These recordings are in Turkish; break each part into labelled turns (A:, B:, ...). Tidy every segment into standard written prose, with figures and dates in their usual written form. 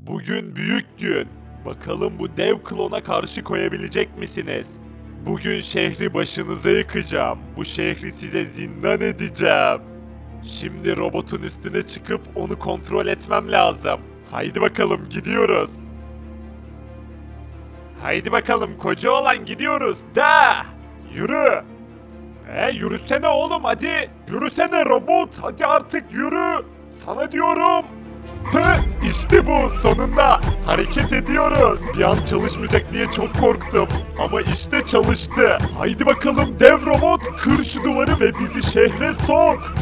A: Bugün büyük gün. Bakalım bu dev klona karşı koyabilecek misiniz? Bugün şehri başınıza yıkacağım. Bu şehri size zindan edeceğim. Şimdi robotun üstüne çıkıp onu kontrol etmem lazım. Haydi bakalım gidiyoruz. Haydi bakalım koca olan gidiyoruz. Da! Yürü! Yürüsene oğlum hadi. Yürüsene robot. Hadi artık yürü. Sana diyorum. İşte bu sonunda hareket ediyoruz. Bir an çalışmayacak diye çok korktum. Ama işte çalıştı. Haydi bakalım dev robot kır şu duvarı ve bizi şehre sok.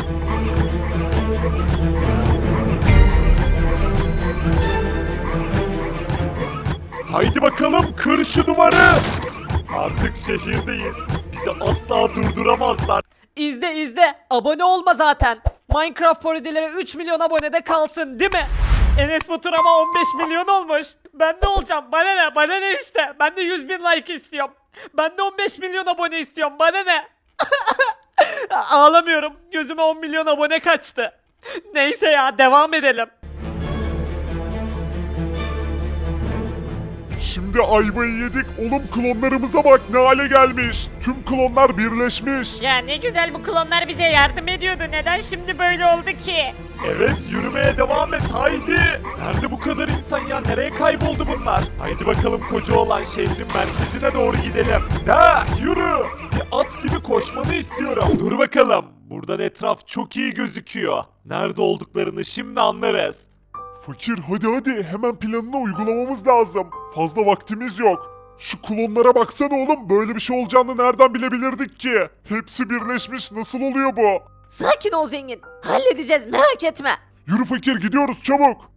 A: Haydi bakalım kır şu duvarı. Artık şehirdeyiz. Bizi asla durduramazlar.
B: İzle abone olma zaten. Minecraft parodilere 3 milyon abonede kalsın değil mi? Enes Batur ama 15 milyon olmuş. Ben ne olacağım? Bana ne işte. Ben de 100 bin like istiyorum. Ben de 15 milyon abone istiyorum. Bana ne? Ağlamıyorum. Gözüme 10 milyon abone kaçtı. Neyse ya devam edelim.
C: Şimdi ayvayı yedik. Oğlum klonlarımıza bak ne hale gelmiş. Tüm klonlar birleşmiş.
D: Ya ne güzel bu klonlar bize yardım ediyordu. Neden şimdi böyle oldu ki?
A: Evet yürümeye devam et haydi. Nerede bu kadar insan ya? Nereye kayboldu bunlar? Haydi bakalım koca olan şehrin merkezine doğru gidelim. Da yürü. Bir at gibi koşmanı istiyorum. Dur bakalım. Buradan etraf çok iyi gözüküyor. Nerede olduklarını şimdi anlarız.
C: Fakir hadi hemen planını uygulamamız lazım. Fazla vaktimiz yok. Şu klonlara baksana oğlum, böyle bir şey olacağını nereden bilebilirdik ki? Hepsi birleşmiş, nasıl oluyor bu?
B: Sakin ol zengin. Halledeceğiz merak etme.
C: Yürü fakir, gidiyoruz çabuk.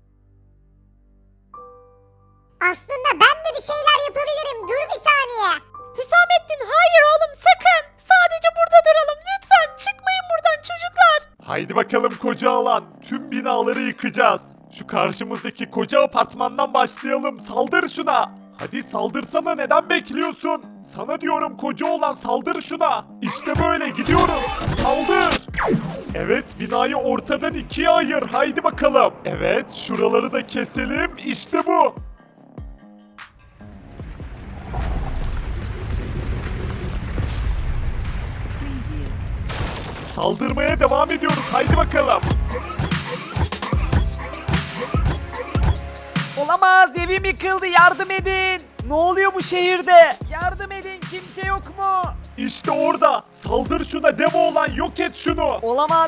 E: Aslında ben de bir şeyler yapabilirim. Dur bir saniye.
D: Hüsamettin hayır oğlum sakın. Sadece burada duralım lütfen. Çıkmayın buradan çocuklar.
A: Haydi bakalım koca alan. Tüm binaları yıkacağız. Şu karşımızdaki koca apartmandan başlayalım. Saldır şuna. Hadi saldırsana, neden bekliyorsun? Sana diyorum koca olan, saldır şuna. İşte böyle gidiyoruz. Saldır. Evet, binayı ortadan ikiye ayır. Haydi bakalım. Evet, şuraları da keselim. İşte bu. Saldırmaya devam ediyoruz. Haydi bakalım.
B: Olamaz, evim yıkıldı, yardım edin. Ne oluyor bu şehirde? Yardım edin, kimse yok mu?
A: İşte orada. Saldır şuna, dev olan, yok et şunu.
B: Olamaz.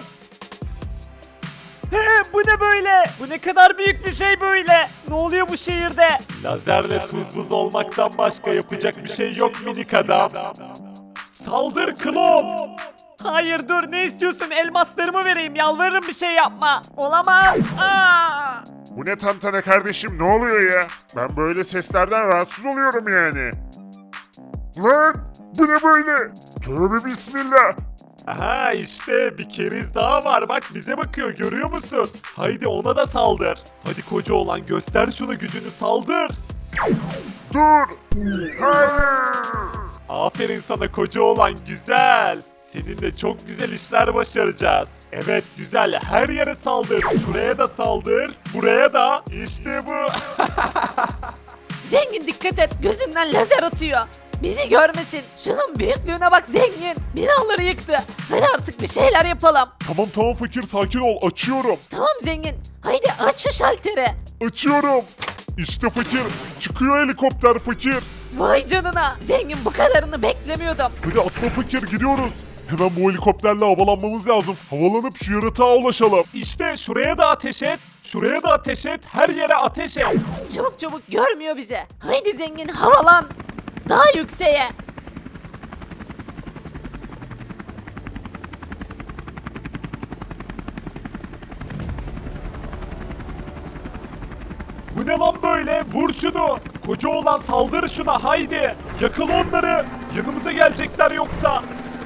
B: Bu ne böyle? Bu ne kadar büyük bir şey böyle? Ne oluyor bu şehirde?
A: Lazerle tuz buz olmaktan başka yapacak bir şey yok minik adam. Saldır klon.
B: Hayır dur, ne istiyorsun? Elmaslarımı vereyim, yalvarırım bir şey yapma. Olamaz. Aa!
C: Bu ne tantana kardeşim, ne oluyor ya? Ben böyle seslerden rahatsız oluyorum yani. Lan bu ne böyle? Tövbe bismillah.
A: Aha işte bir keriz daha var, bak bize bakıyor, görüyor musun? Haydi ona da saldır. Hadi koca olan, göster şunu gücünü, saldır.
C: Dur. Hayır.
A: Aferin sana koca olan, güzel. Seninle çok güzel işler başaracağız. Evet güzel, her yere saldır. Şuraya da saldır. Buraya da. İşte bu.
B: Zengin dikkat et, gözünden lazer atıyor. Bizi görmesin. Şunun büyüklüğüne bak zengin. Binaları yıktı. Hadi artık bir şeyler yapalım.
C: Tamam fakir, sakin ol, açıyorum.
B: Tamam zengin. Haydi aç şu şalteri.
C: Açıyorum. İşte fakir, çıkıyor helikopter fakir.
B: Vay canına. Zengin, bu kadarını beklemiyordum.
C: Hadi atla fakir, gidiyoruz. Hemen bu helikopterle havalanmamız lazım. Havalanıp şu yaratığa ulaşalım.
A: İşte şuraya da ateş et. Şuraya da ateş et. Her yere ateş et.
B: Çabuk çabuk, görmüyor bizi. Haydi zengin, havalan. Daha yükseğe.
A: Bu ne lan böyle? Vur şunu. Koca olan, saldır şuna, haydi. Yakal onları. Yanımıza gelecekler yoksa.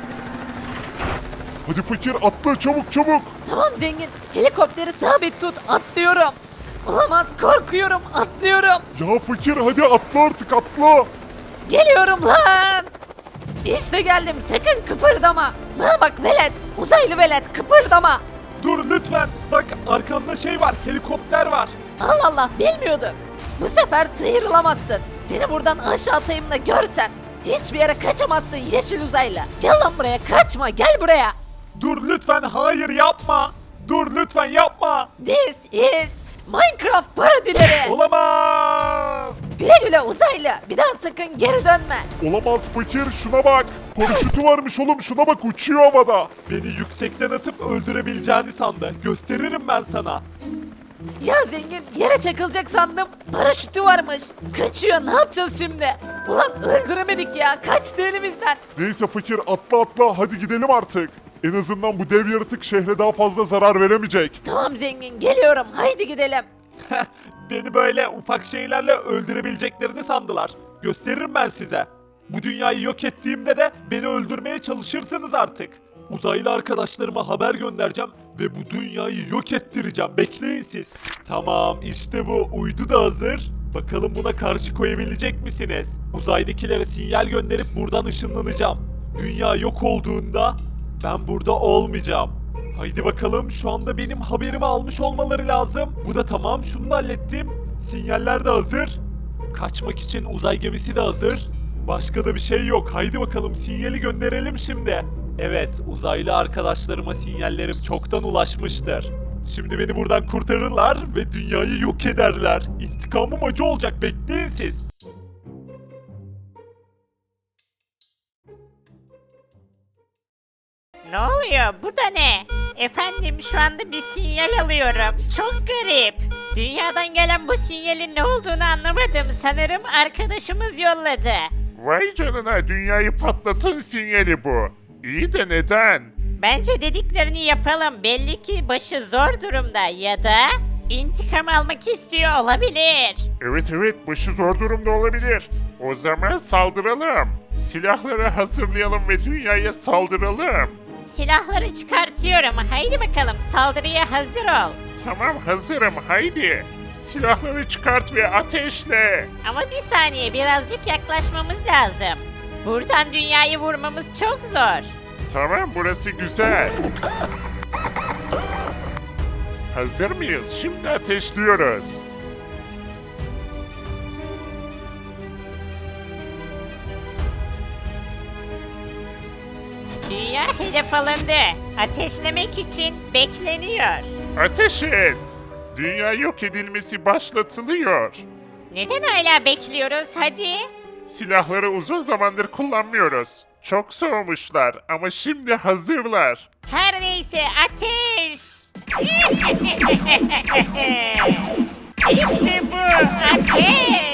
C: Hadi fakir, atla çabuk çabuk.
B: Tamam zengin. Helikopteri sabit tut. Atlıyorum. Olamaz, korkuyorum. Atlıyorum.
C: Ya fakir hadi atla artık, atla.
B: Geliyorum lan. İşte geldim. Sakın kıpırdama. Bana bak velet. Uzaylı velet, kıpırdama.
A: Dur lütfen. Bak arkanda şey var. Helikopter var.
D: Allah Allah bilmiyorduk. Bu sefer sıyrılamazsın. Seni buradan aşağı atayım da görsem. Hiçbir yere kaçamazsın yeşil uzaylı. Gel lan buraya kaçma gel buraya.
A: Dur lütfen, hayır yapma. Dur lütfen yapma.
D: This is Minecraft parodileri.
A: Olamaz.
D: Güle güle uzaylı. Bir daha sakın geri dönme.
C: Olamaz fakir, şuna bak. Paraşütü varmış oğlum, şuna bak, uçuyor havada.
A: Beni yüksekten atıp öldürebileceğini sandı. Gösteririm ben sana.
D: Ya zengin yere çakılacak sandım. Paraşütü varmış. Kaçıyor ne yapacağız şimdi? Ulan öldüremedik ya. Kaçtı elimizden.
C: Neyse fakir, atla atla, hadi gidelim artık. En azından bu dev yaratık şehre daha fazla zarar veremeyecek.
D: Tamam zengin geliyorum. Haydi gidelim.
A: Beni böyle ufak şeylerle öldürebileceklerini sandılar. Gösteririm ben size. Bu dünyayı yok ettiğimde de beni öldürmeye çalışırsınız artık. Uzaylı arkadaşlarıma haber göndereceğim ve bu dünyayı yok ettireceğim. Bekleyin siz. Tamam, işte bu. Uydu da hazır. Bakalım buna karşı koyabilecek misiniz? Uzaydakilere sinyal gönderip buradan ışınlanacağım. Dünya yok olduğunda ben burada olmayacağım. Haydi bakalım, şu anda benim haberimi almış olmaları lazım. Bu da tamam, şunu da hallettim. Sinyaller de hazır. Kaçmak için uzay gemisi de hazır. Başka da bir şey yok. Haydi bakalım sinyali gönderelim şimdi. Evet, uzaylı arkadaşlarıma sinyallerim çoktan ulaşmıştır. Şimdi beni buradan kurtarırlar ve dünyayı yok ederler. İntikamım acı olacak, bekleyin siz.
F: Ne oluyor? Bu da ne? Efendim şu anda bir sinyal alıyorum. Çok garip. Dünyadan gelen bu sinyalin ne olduğunu anlamadım. Sanırım arkadaşımız yolladı.
C: Vay canına, dünyayı patlatan sinyali bu. İyi de neden?
F: Bence dediklerini yapalım. Belli ki başı zor durumda ya da intikam almak istiyor olabilir.
C: Evet, başı zor durumda olabilir. O zaman saldıralım. Silahları hazırlayalım ve dünyaya saldıralım.
F: Silahları çıkartıyorum. Haydi bakalım saldırıya hazır ol.
C: Tamam, hazırım, haydi. Silahları çıkart ve ateşle.
F: Ama bir saniye birazcık yaklaşmamız lazım. Buradan dünyayı vurmamız çok zor.
C: Tamam, burası güzel. Hazır mıyız? Şimdi ateşliyoruz.
F: Dünya hedef alındı. Ateşlemek için bekleniyor.
C: Ateş et. Dünya yok edilmesi başlatılıyor.
F: Neden hala bekliyoruz hadi?
C: Silahları uzun zamandır kullanmıyoruz. Çok soğumuşlar ama şimdi hazırlar.
F: Her neyse ateş! İşte bu ateş!